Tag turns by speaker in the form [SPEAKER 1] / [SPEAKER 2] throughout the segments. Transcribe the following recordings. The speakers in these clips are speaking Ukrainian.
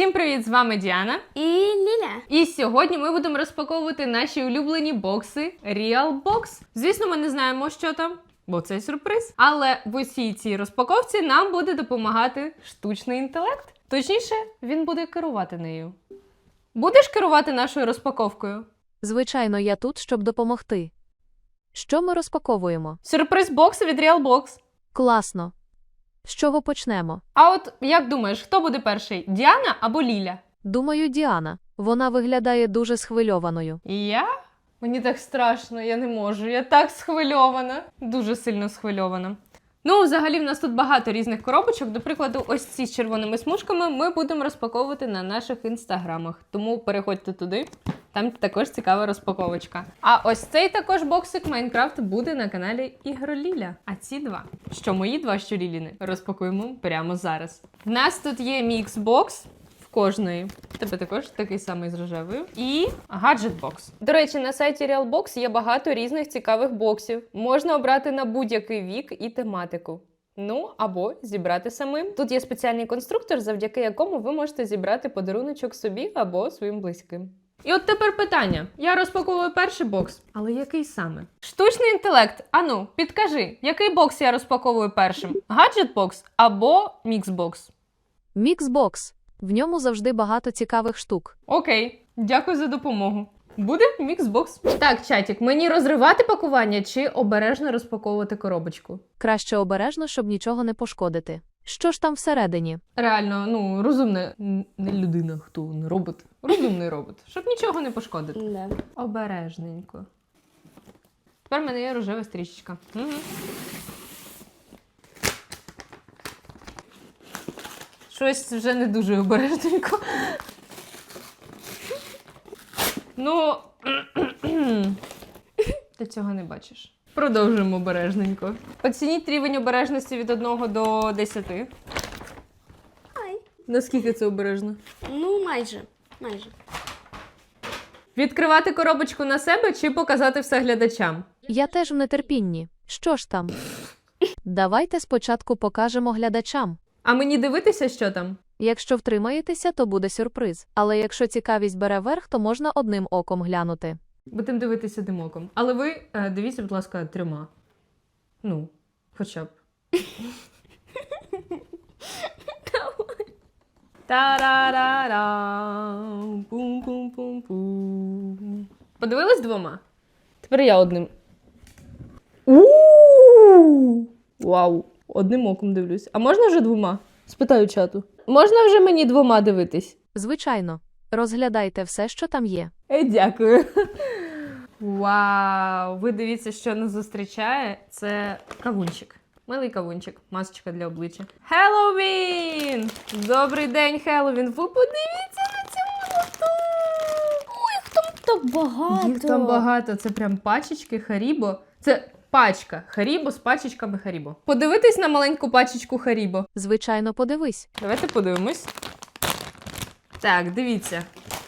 [SPEAKER 1] Всім привіт, з вами Діана
[SPEAKER 2] і Ліля.
[SPEAKER 1] І сьогодні ми будемо розпаковувати наші улюблені бокси Real Box. Звісно, ми не знаємо, що там, бо це сюрприз. Але в усій цій розпаковці нам буде допомагати штучний інтелект. Точніше, він буде керувати нею. Будеш керувати нашою розпаковкою?
[SPEAKER 3] Звичайно, я тут, щоб допомогти. Що ми розпаковуємо?
[SPEAKER 1] Сюрприз-бокс від Real Box.
[SPEAKER 3] Класно. З чого почнемо?
[SPEAKER 1] А от як думаєш, хто буде перший? Діана або Ліля?
[SPEAKER 3] Думаю, Діана. Вона виглядає дуже схвильованою.
[SPEAKER 1] І я? Мені так страшно, я не можу. Я так схвильована. Дуже сильно схвильована. Ну, взагалі, в нас тут багато різних коробочок. До прикладу, ось ці з червоними смужками ми будемо розпаковувати на наших інстаграмах. Тому переходьте туди, там також цікава розпаковочка. А ось цей також боксик Майнкрафт буде на каналі Ігроліля. А ці два, що мої два, що Ліліни, розпакуємо прямо зараз. В нас тут є мікс-бокс. Кожної. Тебе також такий самий з рожевою. І гаджет-бокс. До речі, на сайті RealBox є багато різних цікавих боксів. Можна обрати на будь-який вік і тематику. Ну, або зібрати самим. Тут є спеціальний конструктор, завдяки якому ви можете зібрати подаруночок собі або своїм близьким. І от тепер питання. Я розпаковую перший бокс, але який саме? Штучний інтелект. Ану, підкажи, який бокс я розпаковую першим? Гаджет-бокс або мікс-бокс?
[SPEAKER 3] Мікс-бокс. В ньому завжди багато цікавих штук.
[SPEAKER 1] Окей, дякую за допомогу. Буде мікс-бокс. Так, чатік, мені розривати пакування чи обережно розпаковувати коробочку?
[SPEAKER 3] Краще обережно, щоб нічого не пошкодити. Що ж там всередині?
[SPEAKER 1] Реально, ну, розумна, не людина, хто, не робот. Розумний робот, щоб нічого не пошкодити.
[SPEAKER 2] Да.
[SPEAKER 1] Обережненько. Тепер в мене є рожева стрічечка. Угу. Щось вже не дуже обережненько. Ну, ти цього не бачиш. Продовжуємо обережненько. Оцініть рівень обережності від 1 до 10.
[SPEAKER 2] Ай.
[SPEAKER 1] Наскільки це обережно?
[SPEAKER 2] Ну, майже.
[SPEAKER 1] Відкривати коробочку на себе чи показати все глядачам?
[SPEAKER 3] Я теж в нетерпінні. Що ж там? Давайте спочатку покажемо глядачам.
[SPEAKER 1] А мені дивитися, що там?
[SPEAKER 3] Якщо втримаєтеся, то буде сюрприз. Але якщо цікавість бере верх, то можна одним оком глянути.
[SPEAKER 1] Будемо дивитися одним оком. Але ви дивіться, будь ласка, 3. Ну, хоча б. Та-ра-ра-ра. Пум-пум-пум-пум. Подивились 2? Тепер я одним. У-у-у! Вау! Одним оком дивлюсь. А можна вже 2? Спитаю чату. Можна вже мені 2 дивитись?
[SPEAKER 3] Звичайно. Розглядайте все, що там є.
[SPEAKER 1] Дякую. Вау! Ви дивіться, що нас зустрічає. Це кавунчик. Милий кавунчик. Масочка для обличчя. Хеллоуін! Добрий день, Хеллоуін! Ви подивіться на цю молоту!
[SPEAKER 2] Так багато.
[SPEAKER 1] Їх там багато. Це прям пачечки Харібо. Це пачка Харібо з пачечками Харібо. Подивитись на маленьку пачечку Харібо.
[SPEAKER 3] Звичайно, подивись.
[SPEAKER 1] Давайте подивимось. Так, дивіться.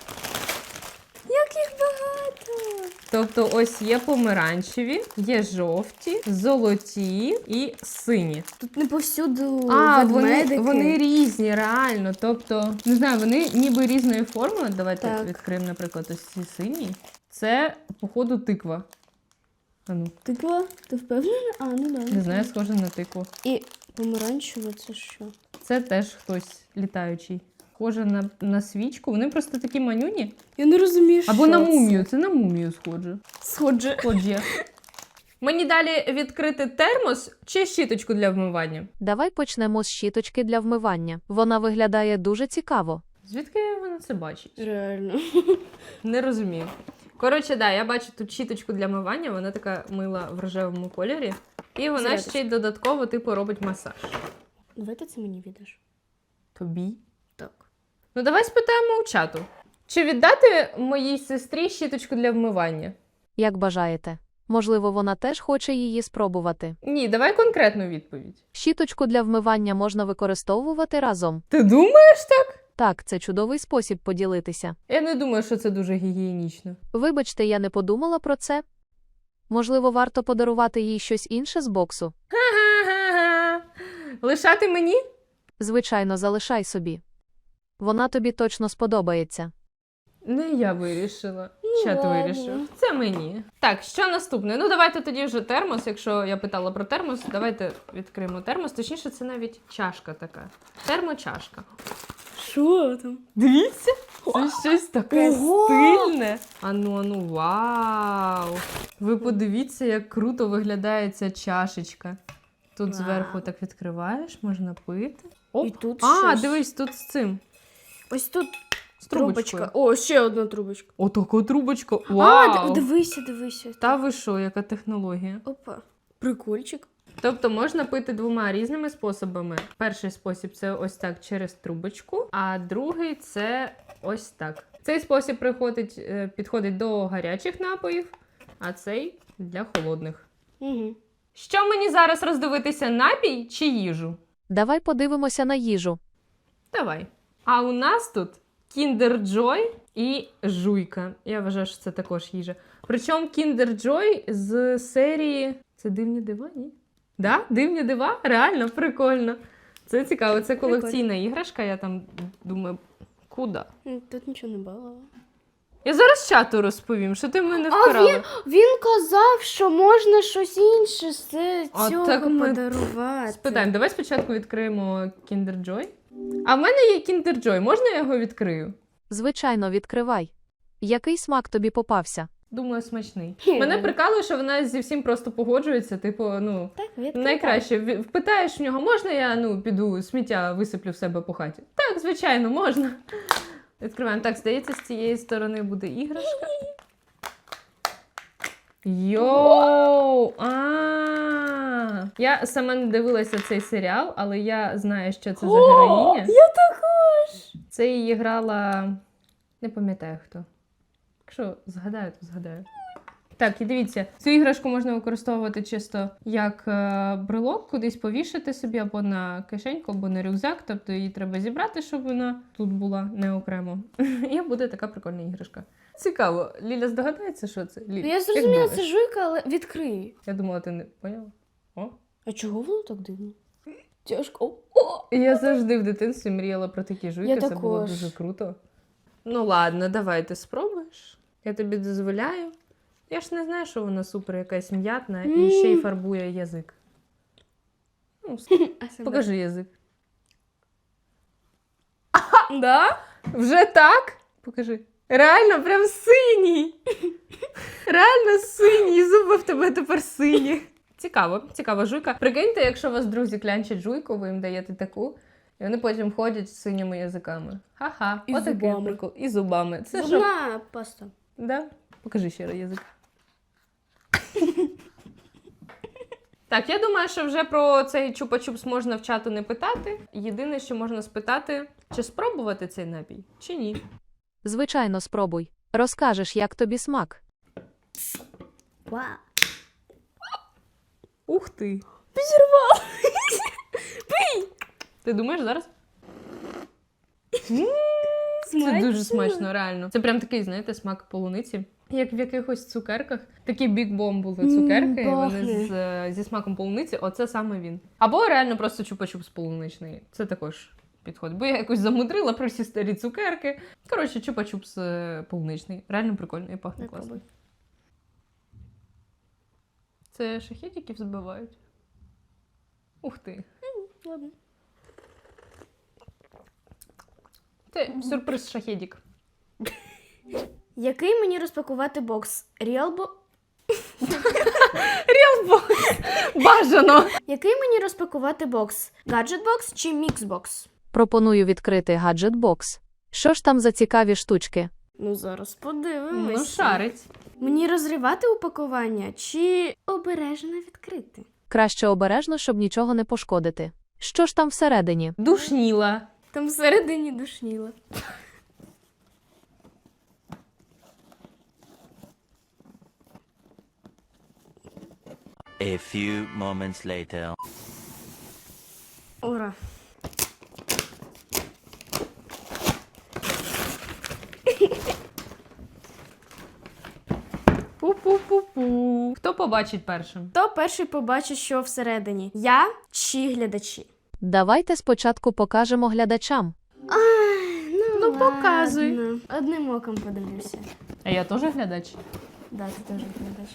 [SPEAKER 2] Як їх багато.
[SPEAKER 1] Тобто ось є помаранчеві, є жовті, золоті і сині.
[SPEAKER 2] Тут не повсюду
[SPEAKER 1] А,
[SPEAKER 2] ведмедики.
[SPEAKER 1] вони різні, реально. Тобто, не знаю, вони ніби різної форми. Давайте
[SPEAKER 2] Так.
[SPEAKER 1] відкриємо, наприклад, ось ці сині. Це, походу, тиква. А ну,
[SPEAKER 2] Тиква? Ти впевнена? А, ну да.
[SPEAKER 1] не знаю, схоже на тикву.
[SPEAKER 2] І помаранчеве це що?
[SPEAKER 1] Це теж хтось літаючий. Схоже на свічку. Вони просто такі манюні.
[SPEAKER 2] Я не розумію,
[SPEAKER 1] Або
[SPEAKER 2] що
[SPEAKER 1] на мумію. Це на мумію схоже.
[SPEAKER 2] Сходже.
[SPEAKER 1] Схоже. Мені далі відкрити термос чи щіточку для вмивання?
[SPEAKER 3] Давай почнемо з щіточки для вмивання. Вона виглядає дуже цікаво.
[SPEAKER 1] Звідки вона це бачить?
[SPEAKER 2] Реально.
[SPEAKER 1] Не розумію. Коротше, да, я бачу тут щіточку для мивання, вона така мила в рожевому кольорі. І вона
[SPEAKER 2] Зарядочка.
[SPEAKER 1] ще й додатково, типу, робить масаж.
[SPEAKER 2] Давай це мені віддаш.
[SPEAKER 1] Тобі?
[SPEAKER 2] Так.
[SPEAKER 1] Ну, давай спитаємо у чату. Чи віддати моїй сестрі щіточку для вмивання?
[SPEAKER 3] Як бажаєте. Можливо, вона теж хоче її спробувати.
[SPEAKER 1] Ні, давай конкретну відповідь.
[SPEAKER 3] Щіточку для вмивання можна використовувати разом.
[SPEAKER 1] Ти думаєш так?
[SPEAKER 3] Так, це чудовий спосіб поділитися.
[SPEAKER 1] Я не думаю, що це дуже гігієнічно.
[SPEAKER 3] Вибачте, я не подумала про це. Можливо, варто подарувати їй щось інше з боксу.
[SPEAKER 1] Ха-ха-ха-ха. Лишати мені?
[SPEAKER 3] Звичайно, залишай собі. Вона тобі точно сподобається.
[SPEAKER 1] Не я вирішила. Чат
[SPEAKER 2] ладно.
[SPEAKER 1] вирішив. Це мені. Так, що наступне? Ну, давайте тоді вже термос. Якщо я питала про термос, давайте відкриємо термос. Точніше, це навіть чашка така. Термочашка.
[SPEAKER 2] Що там?
[SPEAKER 1] Дивіться, це щось таке
[SPEAKER 2] Ого!
[SPEAKER 1] стильне. Ану, вау! Ви подивіться, як круто виглядає ця чашечка. Тут
[SPEAKER 2] Вау.
[SPEAKER 1] зверху так відкриваєш, можна пити. Оп.
[SPEAKER 2] І тут
[SPEAKER 1] А,
[SPEAKER 2] щось.
[SPEAKER 1] дивись, тут з цим.
[SPEAKER 2] Ось тут
[SPEAKER 1] З трубочкою.
[SPEAKER 2] трубочка. О, ще одна трубочка.
[SPEAKER 1] Отака трубочка. Вау!
[SPEAKER 2] Дивися.
[SPEAKER 1] Та ви що, яка технологія?
[SPEAKER 2] Опа. Прикольчик.
[SPEAKER 1] Тобто можна пити двома різними способами. Перший спосіб це ось так через трубочку, а другий це ось так. Цей спосіб підходить до гарячих напоїв, а цей для холодних.
[SPEAKER 2] Угу.
[SPEAKER 1] Що мені зараз роздивитися, напій чи їжу?
[SPEAKER 3] Давай подивимося на їжу.
[SPEAKER 1] Давай. А у нас тут Kinder Joy і жуйка. Я вважаю, що це також їжа. Причому Kinder Joy з серії... Це дивні дива, ні? Да? Дивні дива? Реально прикольно. Це цікаво, це колекційна іграшка, я там думаю, куди?
[SPEAKER 2] Тут нічого не було.
[SPEAKER 1] Я зараз чату розповім, що ти мене вкрала.
[SPEAKER 2] Він казав, що можна щось інше з
[SPEAKER 1] А
[SPEAKER 2] цього
[SPEAKER 1] так ми
[SPEAKER 2] подарувати.
[SPEAKER 1] Спитаємо, давай спочатку відкриємо Kinder Joy. А в мене є Kinder Joy, можна я його відкрию?
[SPEAKER 3] Звичайно, відкривай. Який смак тобі попався?
[SPEAKER 1] Думаю, смачний.
[SPEAKER 2] Хе.
[SPEAKER 1] Мене прикалує, що вона зі всім просто погоджується, типу, ну,
[SPEAKER 2] Так, відкривай.
[SPEAKER 1] найкраще. Впитаєш в нього, можна я, піду сміття висиплю в себе по хаті? Так, звичайно, можна. Відкриваємо. Так, здається, з цієї сторони буде іграшка. Йоу! Я сама не дивилася цей серіал, але я знаю, що це за героїня.
[SPEAKER 2] Я також!
[SPEAKER 1] Це її грала... Не пам'ятаю хто. Якщо згадаю, то згадаю. Так, і дивіться, цю іграшку можна використовувати чисто як брелок, кудись повішати собі або на кишеньку, або на рюкзак. Тобто її треба зібрати, щоб вона тут була не окремо. І буде така прикольна іграшка. Цікаво, Ліля здогадається, що це? Ліля,
[SPEAKER 2] Я
[SPEAKER 1] як
[SPEAKER 2] зрозуміла,
[SPEAKER 1] думаєш?
[SPEAKER 2] це жуйка, але відкрий.
[SPEAKER 1] Я думала, ти не поняла. О.
[SPEAKER 2] А чого воно так дивно? Тяжко.
[SPEAKER 1] Я завжди в дитинстві мріяла про такі жуйки,
[SPEAKER 2] Я
[SPEAKER 1] це було
[SPEAKER 2] також.
[SPEAKER 1] дуже круто. Ну ладно, давай ти спробуєш. Я тобі дозволяю. Я ж не знаю, що вона супер якась м'ятна і ще й фарбує язик. Ну, покажи язик.
[SPEAKER 2] Да?
[SPEAKER 1] Вже так? Покажи. Реально, прям синій. Реально синій. Зуби в тебе тепер сині. Цікава жуйка. Прикиньте, якщо вас друзі клянчать жуйку, ви їм даєте таку, і вони потім ходять з синіми язиками. Ха-ха,
[SPEAKER 2] І
[SPEAKER 1] отакий
[SPEAKER 2] зубами.
[SPEAKER 1] прикол. І зубами. Це що?
[SPEAKER 2] Зубна паста.
[SPEAKER 1] Да? Покажи ще раз язик. Так, я думаю, що вже про цей чупа-чупс можна в чату не питати. Єдине, що можна спитати, чи спробувати цей напій, чи ні.
[SPEAKER 3] Звичайно, спробуй. Розкажеш, як тобі смак.
[SPEAKER 2] Вау.
[SPEAKER 1] Ух ти!
[SPEAKER 2] Підірвала.
[SPEAKER 1] Ти думаєш зараз? Це дуже смачно, реально. Це прям такий, знаєте, смак полуниці. Як в якихось цукерках. Такі бік-бом були цукерки, і вони зі смаком полуниці. Оце саме він. Або реально просто чупа-чупс полуничний. Це також підходить. Бо я якось замудрила про всі старі цукерки. Коротше, чупа-чупс полуничний. Реально прикольно і пахне класно. Це шахедиків збивають? Ух ти.
[SPEAKER 2] Ладно.
[SPEAKER 1] Це сюрприз шахедик.
[SPEAKER 2] Який мені розпакувати бокс? Ріалбо?
[SPEAKER 1] Бажано!
[SPEAKER 2] Який мені розпакувати бокс? Гаджет-бокс чи мікс-бокс?
[SPEAKER 3] Пропоную відкрити гаджет-бокс. Що ж там за цікаві штучки?
[SPEAKER 2] Ну, зараз подивимось.
[SPEAKER 1] Ну, шарить.
[SPEAKER 2] Мені розривати упакування чи обережно відкрити?
[SPEAKER 3] Краще обережно, щоб нічого не пошкодити. Що ж там всередині?
[SPEAKER 1] Душніла.
[SPEAKER 2] Там всередині душніло.
[SPEAKER 4] A few moments later.
[SPEAKER 2] Ура.
[SPEAKER 1] Пу-пу-пу-пу. Хто побачить першим?
[SPEAKER 2] Хто перший побачить, що всередині? Я чи глядачі?
[SPEAKER 3] Давайте спочатку покажемо глядачам.
[SPEAKER 2] Ну
[SPEAKER 1] Ну, показуй.
[SPEAKER 2] Ладно. Одним оком подивлюся.
[SPEAKER 1] А я теж глядач.
[SPEAKER 2] Да, ти теж глядач.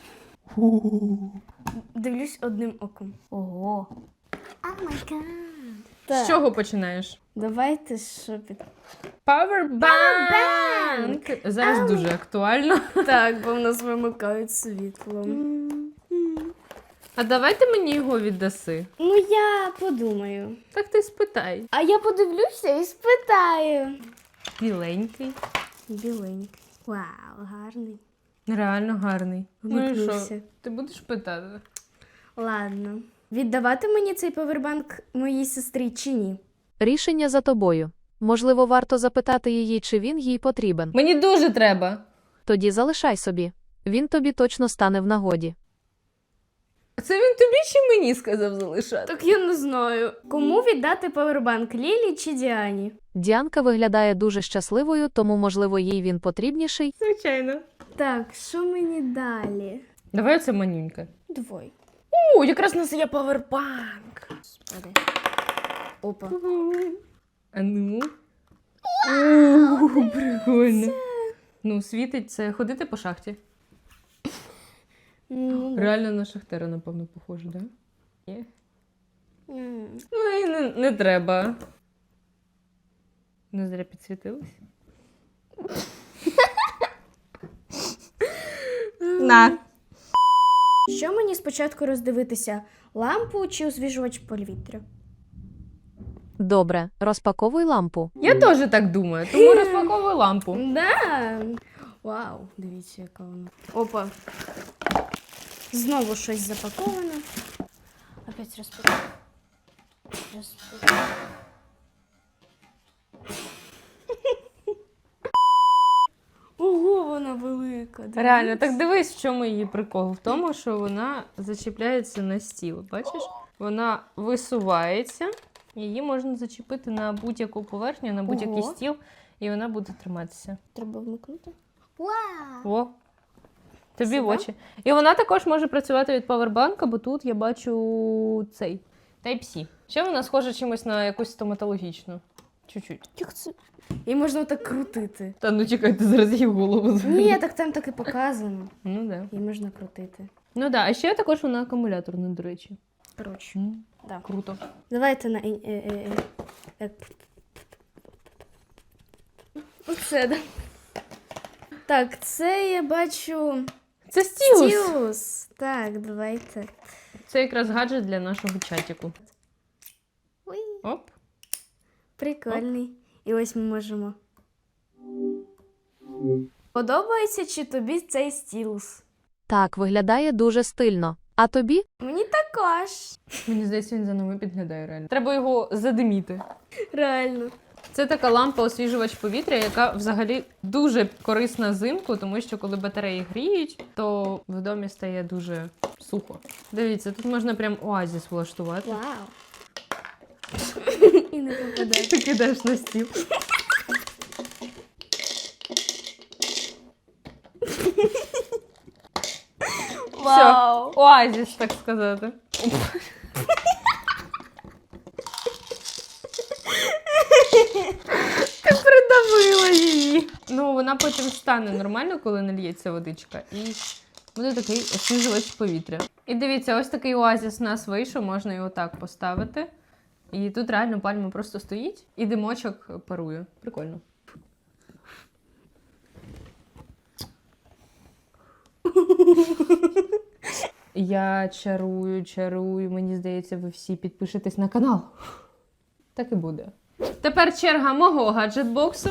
[SPEAKER 2] Дивлюсь одним оком. Ого. О май гад.
[SPEAKER 1] З чого починаєш?
[SPEAKER 2] Давайте що під...
[SPEAKER 1] Powerbank! Зараз дуже актуально.
[SPEAKER 2] Так, бо в нас вимикають світло.
[SPEAKER 1] А давай ти мені його віддаси.
[SPEAKER 2] Ну, я подумаю.
[SPEAKER 1] Так ти спитай.
[SPEAKER 2] А я подивлюся і спитаю.
[SPEAKER 1] Біленький.
[SPEAKER 2] Біленький. Вау, гарний.
[SPEAKER 1] Реально гарний. Ну і що?
[SPEAKER 2] Вмикнувся.
[SPEAKER 1] Ти будеш питати?
[SPEAKER 2] Ладно. Віддавати мені цей павербанк моїй сестрі чи ні?
[SPEAKER 3] Рішення за тобою. Можливо, варто запитати її, чи він їй потрібен.
[SPEAKER 1] Мені дуже треба.
[SPEAKER 3] Тоді залишай собі. Він тобі точно стане в нагоді.
[SPEAKER 1] Це він тобі чи мені сказав залишати?
[SPEAKER 2] Так я не знаю. Кому віддати павербанк, Лілі чи Діані?
[SPEAKER 3] Діанка виглядає дуже щасливою, тому, можливо, їй він потрібніший.
[SPEAKER 1] Звичайно.
[SPEAKER 2] Так, що мені далі?
[SPEAKER 1] Давай оце манюнька.
[SPEAKER 2] Двой.
[SPEAKER 1] О, якраз у нас є павербанк.
[SPEAKER 2] Господи. Опа.
[SPEAKER 1] А ну. О, прикольно. Ну, світить це ходити по шахті.
[SPEAKER 2] Ну, да.
[SPEAKER 1] Реально на шахтера, напевно, похоже, так? Да? Є.
[SPEAKER 2] М.
[SPEAKER 1] Ну і не треба. Не зря підсвітилась. На.
[SPEAKER 2] Що мені спочатку роздивитися? Лампу чи освіжувач повітря?
[SPEAKER 3] Добре, розпаковуй лампу.
[SPEAKER 1] Я теж так думаю, тому розпаковую лампу.
[SPEAKER 2] Да. Вау, дивіться, яка вона. Опа. Знову щось запаковане. Опять розпаковую. Ого, вона велика. дивіться.
[SPEAKER 1] Реально, так дивись, в чому її прикол. В тому, що вона зачіпляється на стіл. Бачиш? Вона висувається, її можна зачепити на будь-яку поверхню, на будь-який
[SPEAKER 2] Ого.
[SPEAKER 1] стіл, і вона буде триматися.
[SPEAKER 2] Треба вмикнути. Вау!
[SPEAKER 1] О! Тобі в
[SPEAKER 2] Сюди?
[SPEAKER 1] очі. І вона також може працювати від павербанка, бо тут я бачу цей Type-C. Ще вона схожа чимось на якусь стоматологічну. Чуть-чуть.
[SPEAKER 2] Як це? І можна так крутити.
[SPEAKER 1] Та ну чекай, ти зараз її в голову.
[SPEAKER 2] Ні, так там так і показано.
[SPEAKER 1] Ну да.
[SPEAKER 2] І можна крутити.
[SPEAKER 1] Ну да, а ще також вона акумуляторна, до речі.
[SPEAKER 2] Коротше. Да.
[SPEAKER 1] Круто.
[SPEAKER 2] Давайте на. Оце, да. Так, це я бачу.
[SPEAKER 1] Це стілус.
[SPEAKER 2] Стілус. Так, давайте.
[SPEAKER 1] Це якраз гаджет для нашого чатіку.
[SPEAKER 2] Ой,
[SPEAKER 1] Оп.
[SPEAKER 2] прикольний. І ось ми можемо. Подобається чи тобі цей стілус?
[SPEAKER 3] Так, виглядає дуже стильно. А тобі?
[SPEAKER 2] Мені також.
[SPEAKER 1] Мені здається, він за нами підглядає реально. Треба його задиміти.
[SPEAKER 2] Реально.
[SPEAKER 1] Це така лампа-освіжувач повітря, яка взагалі дуже корисна взимку, тому що коли батареї гріють, то в домі стає дуже сухо. Дивіться, тут можна прям оазіс влаштувати.
[SPEAKER 2] Вау. І не попадає.
[SPEAKER 1] Ти кидаєш на стіл.
[SPEAKER 2] Вау.
[SPEAKER 1] Оазіс, так сказати. Ти придавила її. Ну, вона потім стане нормально, коли нальється водичка. І буде такий освіжувач повітря. І дивіться, ось такий оазіс у нас вийшов, можна його так поставити. І тут реально пальма просто стоїть, і димочок парує. Прикольно. Я чарую. Мені здається, ви всі підпишетесь на канал. Так і буде. Тепер черга мого гаджет-боксу.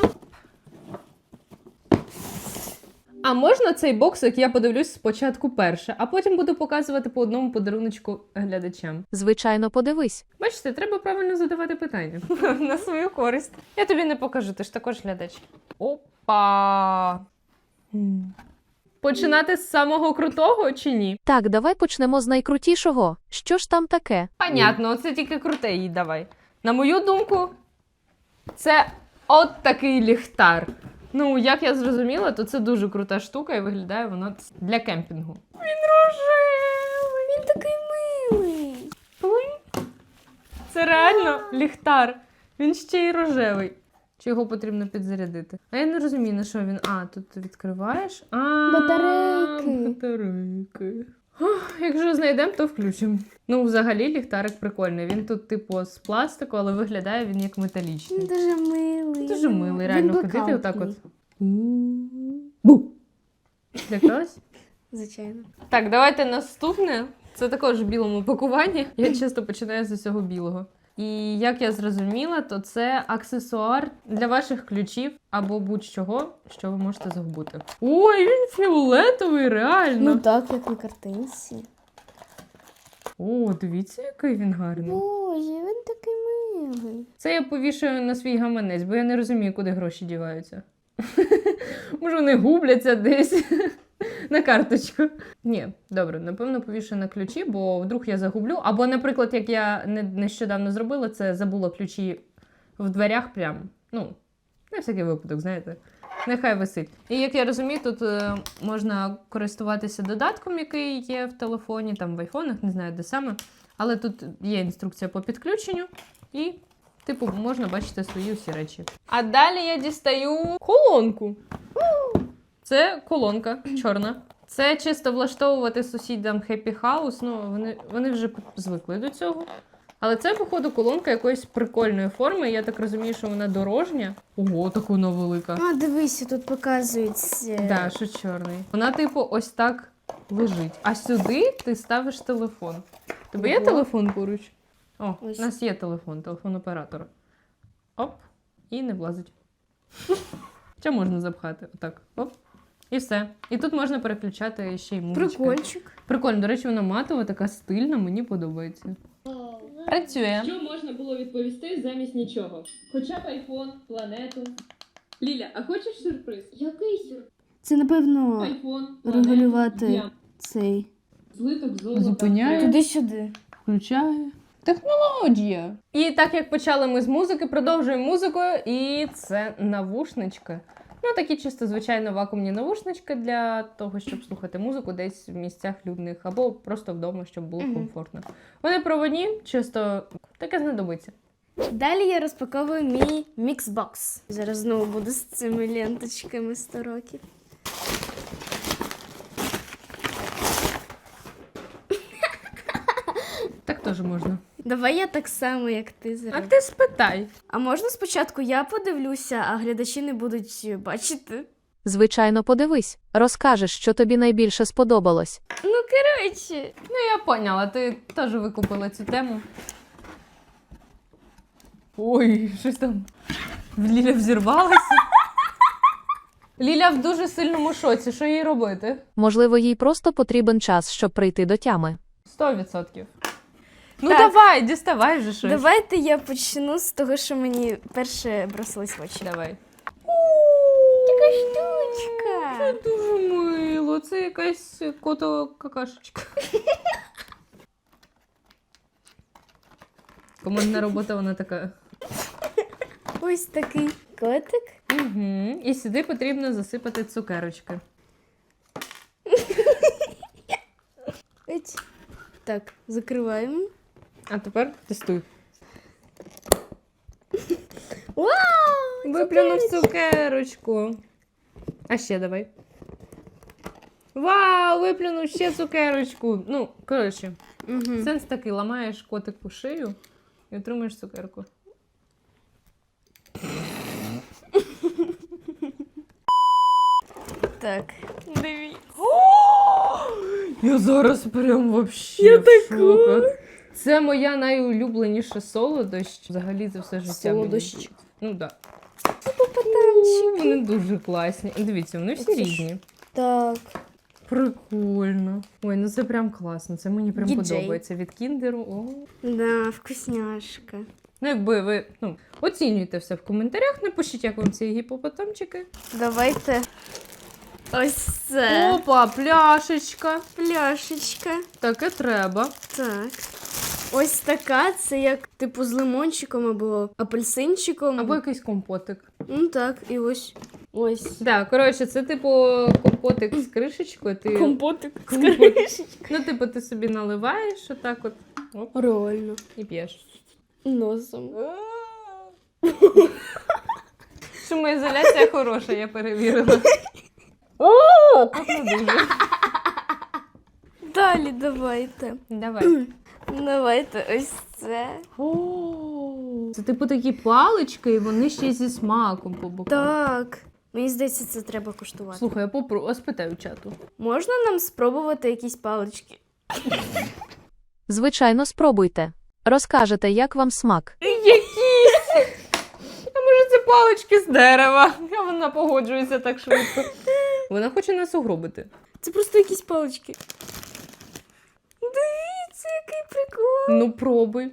[SPEAKER 1] А можна цей боксик я подивлюсь спочатку перше, а потім буду показувати по одному подаруночку глядачам.
[SPEAKER 3] Звичайно, подивись.
[SPEAKER 1] Бачите, треба правильно задавати питання. На свою користь. Я тобі не покажу, ти ж також глядач. Опа! Починати з самого крутого чи ні?
[SPEAKER 3] Так, давай почнемо з найкрутішого. Що ж там таке?
[SPEAKER 1] Понятно, оце тільки круте їй давай. На мою думку, це от такий ліхтар. Ну, як я зрозуміла, то це дуже крута штука і виглядає вона для кемпінгу. Він рожевий!
[SPEAKER 2] Він такий милий.
[SPEAKER 1] Це реально ліхтар. Він ще й рожевий. Чи його потрібно підзарядити? А я не розумію, на що він. А, тут ти відкриваєш.
[SPEAKER 2] Батарейки.
[SPEAKER 1] Батарейки. Ох, якщо знайдемо, то включимо. Ну, взагалі, ліхтарик прикольний. Він тут, типу, з пластику, але виглядає він як металічний.
[SPEAKER 2] Дуже милий.
[SPEAKER 1] Дуже милий,
[SPEAKER 2] Він
[SPEAKER 1] реально ходити
[SPEAKER 2] блакитний.
[SPEAKER 1] отак от. Бу! Лякалась?
[SPEAKER 2] Звичайно.
[SPEAKER 1] Так, давайте наступне. Це також в білому пакуванні. Я часто починаю з усього білого. І як я зрозуміла, то це аксесуар для ваших ключів або будь-чого, що ви можете загубити. Ой, він фіолетовий, реально.
[SPEAKER 2] Ну так, як на картинці.
[SPEAKER 1] О, дивіться, який він гарний.
[SPEAKER 2] Боже, він такий милий.
[SPEAKER 1] Це я повішаю на свій гаманець, бо я не розумію, куди гроші діваються. Може, вони губляться десь на карточку. Ні, добре, напевно, повішаю на ключі, бо вдруг я загублю. Або, наприклад, як я нещодавно зробила, це забула ключі в дверях прямо. Ну, на всякий випадок, знаєте. Нехай висить. І як я розумію, тут можна користуватися додатком, який є в телефоні, там в айфонах, не знаю, де саме. Але тут є інструкція по підключенню і, типу, можна бачити свої усі речі. А далі я дістаю колонку. Це колонка чорна. Це чисто влаштовувати сусідам Happy House. Ну, вони вже звикли до цього. Але це, походу, колонка якоїсь прикольної форми. Я так розумію, що вона дорожня. Ого, така вона велика.
[SPEAKER 2] А, дивися, тут показують.
[SPEAKER 1] Да, що чорний. Вона, типу, ось так лежить. А сюди ти ставиш телефон. Тебе є
[SPEAKER 2] Ого.
[SPEAKER 1] телефон поруч? О,
[SPEAKER 2] Ось.
[SPEAKER 1] у нас є телефон оператора. Оп, і не влазить. Чи можна запхати? Отак. Оп. І все. І тут можна переключати ще й музичку.
[SPEAKER 2] Прикольчик.
[SPEAKER 1] Прикольно, до речі, вона матова, така стильна, мені подобається. Працює.
[SPEAKER 5] Що можна було відповісти замість нічого? Хоча б айфон, планету. Ліля, а хочеш сюрприз? Який сюрприз?
[SPEAKER 2] Це, напевно,
[SPEAKER 5] Айфон, планету,
[SPEAKER 2] регулювати
[SPEAKER 5] діамант,
[SPEAKER 2] цей.
[SPEAKER 5] злиток золота.
[SPEAKER 1] Зупиняє.
[SPEAKER 2] Туди-сюди.
[SPEAKER 1] Включає. Технологія. І так як почали ми з музики, продовжуємо музикою. І це навушнички. Ну, такі чисто, звичайно, вакуумні навушнички для того, щоб слухати музику десь в місцях людних, або просто вдома, щоб було комфортно. Вони проводні, чисто таке знадобиться.
[SPEAKER 2] Далі я розпаковую мій міксбокс. Зараз знову буду з цими ленточками 100 років.
[SPEAKER 1] Так теж можна.
[SPEAKER 2] Давай я так само, як ти
[SPEAKER 1] А
[SPEAKER 2] зроблю.
[SPEAKER 1] ти спитай.
[SPEAKER 2] А можна спочатку я подивлюся, а глядачі не будуть бачити?
[SPEAKER 3] Звичайно, подивись, розкажеш, що тобі найбільше сподобалось.
[SPEAKER 2] Ну, коротше.
[SPEAKER 1] Ну, я поняла, ти теж викупила цю тему. Ой, щось там. Ліля взірвалася. Ліля в дуже сильному шоці. Що їй робити?
[SPEAKER 3] Можливо, їй просто потрібен час, щоб прийти до тями.
[SPEAKER 1] 100%. Ну
[SPEAKER 2] Так.
[SPEAKER 1] давай, діставай вже щось.
[SPEAKER 2] Давайте я почну з того, що мені перше бросилось в очі.
[SPEAKER 1] Давай.
[SPEAKER 2] Така штучка.
[SPEAKER 1] Це дуже мило. Це якась кото-какашечка. Командна робота, вона така.
[SPEAKER 2] Ось такий котик.
[SPEAKER 1] Угу. І сюди потрібно засипати цукерочки.
[SPEAKER 2] Ось. Так, закриваємо.
[SPEAKER 1] А тепер тестуй.
[SPEAKER 2] Вау!
[SPEAKER 1] Виплюнув цукерочку. А ще давай. Вау, виплюнув ще цукерочку. Ну, коротше,
[SPEAKER 2] Угу.
[SPEAKER 1] сенс такий, ламаєш котику шию і отримуєш цукерку.
[SPEAKER 2] Так, дивіться.
[SPEAKER 1] Я зараз прям вообще в шоку. Це моя найулюбленіша солодощ взагалі за все життя.
[SPEAKER 2] Солодощ.
[SPEAKER 1] мені. Ну так.
[SPEAKER 2] Попаданчик.
[SPEAKER 1] Вони дуже класні. Дивіться, вони всі
[SPEAKER 2] Оце ж.
[SPEAKER 1] різні.
[SPEAKER 2] Так.
[SPEAKER 1] Прикольно. Ой, ну це прям класно. Це мені прям
[SPEAKER 2] Діджей.
[SPEAKER 1] подобається. Від кіндеру. О.
[SPEAKER 2] Да, вкусняшка.
[SPEAKER 1] Ну, якби ви оцінюєте все в коментарях, напишіть, як вам ці гіпопотамчики.
[SPEAKER 2] Давайте. Ось це.
[SPEAKER 1] Опа, пляшечка.
[SPEAKER 2] Пляшечка.
[SPEAKER 1] Таке треба.
[SPEAKER 2] Так. Ось така, це як типу з лимончиком або апельсинчиком.
[SPEAKER 1] Або якийсь компотик.
[SPEAKER 2] Ну так, і ось. Ось.
[SPEAKER 1] Так, коротше, це типу компотик з кришечкою. Ти...
[SPEAKER 2] Компотик.
[SPEAKER 1] Компотик. Ну, типу, ти собі наливаєш отак от. Оп,
[SPEAKER 2] Реально.
[SPEAKER 1] і п'єш.
[SPEAKER 2] Носом.
[SPEAKER 1] Шумоізоляція хороша, я перевірила. О, пахне дуже.
[SPEAKER 2] Далі давайте.
[SPEAKER 1] Давай.
[SPEAKER 2] Давайте ось це.
[SPEAKER 1] О, це типу такі палички, і вони ще й зі смаком по бокам.
[SPEAKER 2] Так. Мені здається, це треба куштувати.
[SPEAKER 1] Слухай, я спитаю чату.
[SPEAKER 2] Можна нам спробувати якісь палички?
[SPEAKER 3] Звичайно, спробуйте. Розкажете, як вам смак.
[SPEAKER 1] Якісь! А може це палички з дерева? А вона погоджується так швидко. Вона хоче нас угробити.
[SPEAKER 2] Це просто якісь палички. Дивіться, який прикол.
[SPEAKER 1] Ну, пробуй.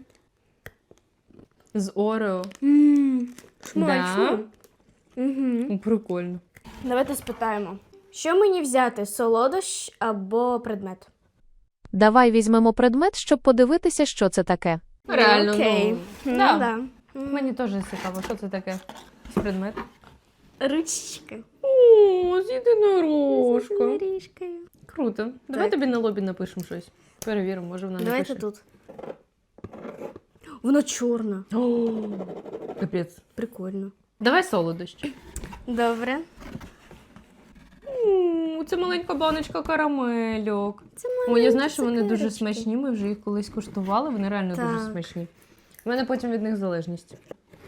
[SPEAKER 1] З Орео.
[SPEAKER 2] Смачно. Угу.
[SPEAKER 1] Ну, прикольно.
[SPEAKER 2] Давайте спитаємо. Що мені взяти? Солодощ або предмет?
[SPEAKER 3] Давай візьмемо предмет, щоб подивитися, що це таке.
[SPEAKER 1] Реально,
[SPEAKER 2] Окей.
[SPEAKER 1] ну,
[SPEAKER 2] Да.
[SPEAKER 1] да. Мені теж цікаво, що це таке з предмет.
[SPEAKER 2] Ручечка.
[SPEAKER 1] О, з єдинорожка.
[SPEAKER 2] Горішкою.
[SPEAKER 1] Круто. Давай
[SPEAKER 2] Так.
[SPEAKER 1] тобі на лобі напишемо щось. Перевіримо, може вона
[SPEAKER 2] Давайте
[SPEAKER 1] напише.
[SPEAKER 2] тут. Воно чорна.
[SPEAKER 1] О, капець.
[SPEAKER 2] Прикольно.
[SPEAKER 1] Давай солодощ.
[SPEAKER 2] Добре.
[SPEAKER 1] Це маленька баночка карамельок.
[SPEAKER 2] Це
[SPEAKER 1] О, я знаю, що вони
[SPEAKER 2] цукерочки.
[SPEAKER 1] дуже смачні, ми вже їх колись куштували, вони реально дуже
[SPEAKER 2] Так.
[SPEAKER 1] смачні. У мене потім від них залежність.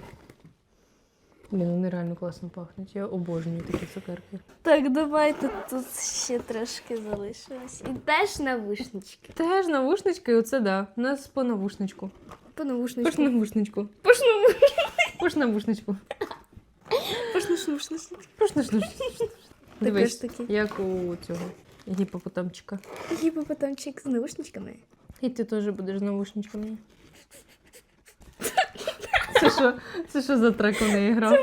[SPEAKER 1] Блін, вони реально класно пахнуть. Я обожнюю такі цукерки.
[SPEAKER 2] Так, давайте тут ще трошки залишилось. І теж навушнички.
[SPEAKER 1] Теж навушнички, і оце да. У нас по навушничку.
[SPEAKER 2] По навушничку.
[SPEAKER 1] Пош навушничку.
[SPEAKER 2] Пош
[SPEAKER 1] Пош навушничку.
[SPEAKER 2] навушничку.
[SPEAKER 1] Пош навушничку. Дивись,
[SPEAKER 2] таки.
[SPEAKER 1] як у цього гіпопотамчика.
[SPEAKER 2] Гіпопотамчик з навушничками.
[SPEAKER 1] І ти теж будеш з навушничками. Це що за трек у неї грав?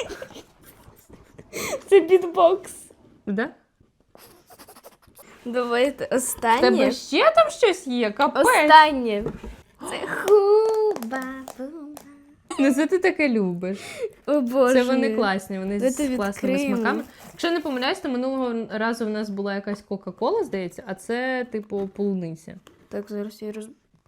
[SPEAKER 2] Це бітбокс.
[SPEAKER 1] Да?
[SPEAKER 2] Давайте
[SPEAKER 1] В тебе
[SPEAKER 2] останнє.
[SPEAKER 1] ще там щось є? Капець!
[SPEAKER 2] Останнє. Це хуба.
[SPEAKER 1] Ну це ти таке любиш.
[SPEAKER 2] О боже.
[SPEAKER 1] Це вони класні, вони
[SPEAKER 2] Давайте
[SPEAKER 1] з класними
[SPEAKER 2] відкриємо.
[SPEAKER 1] смаками. Якщо не помиляюсь, то минулого разу в нас була якась Кока-Кола, здається, а це типу полуниця.
[SPEAKER 2] Так, зараз я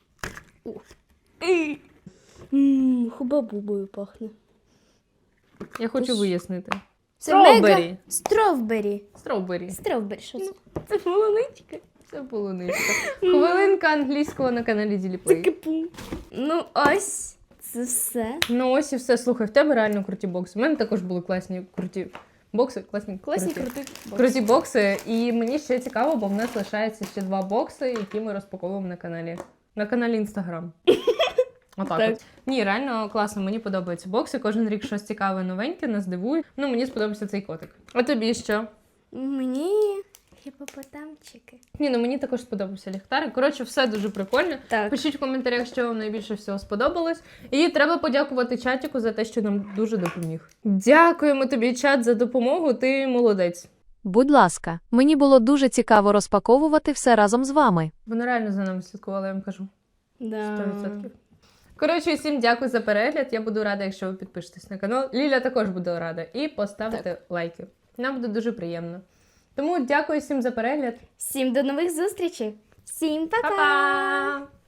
[SPEAKER 2] Хуба-бубою пахне.
[SPEAKER 1] Я хочу вияснити.
[SPEAKER 2] Це
[SPEAKER 1] Стровбері.
[SPEAKER 2] мега... Стровбері.
[SPEAKER 1] Стровбері.
[SPEAKER 2] Стровбері, що це?
[SPEAKER 1] Це полуничка. Це полуничка. Хвилинка англійського на каналі Діліплей.
[SPEAKER 2] Кипу. Ну ось, це все.
[SPEAKER 1] Ну ось і все. Слухай, в тебе реально круті бокси. У мене також були класні круті бокси.
[SPEAKER 2] Класні
[SPEAKER 1] круті.
[SPEAKER 2] крути.
[SPEAKER 1] Круті бокси. І мені ще цікаво, бо в нас лишається ще 2 бокси, які ми розпаковуємо на каналі. На каналі Інстаграм. Отак
[SPEAKER 2] Так.
[SPEAKER 1] от. Ні, реально класно, мені подобаються бокси. Кожен рік щось цікаве, новеньке, нас дивує. Ну, мені сподобався цей котик. А тобі що?
[SPEAKER 2] Мені гіпопотамчики.
[SPEAKER 1] Ні, ну мені також сподобався ліхтарик. Коротше, все дуже прикольно.
[SPEAKER 2] Так.
[SPEAKER 1] Пишіть в коментарях, що вам найбільше всього сподобалось. І треба подякувати чатіку за те, що нам дуже допоміг. Дякуємо тобі, чат, за допомогу. Ти молодець.
[SPEAKER 3] Будь ласка, мені було дуже цікаво розпаковувати все разом з вами.
[SPEAKER 1] Вони реально за нами слідкували, я вам кажу.
[SPEAKER 2] Да.
[SPEAKER 1] 100%. Коротше, всім дякую за перегляд. Я буду рада, якщо ви підпишетесь на канал. Ліля також буде рада. І поставите лайки. Нам буде дуже приємно. Тому дякую всім за перегляд.
[SPEAKER 2] Всім до нових зустрічей. Всім па-па!
[SPEAKER 1] Па-па!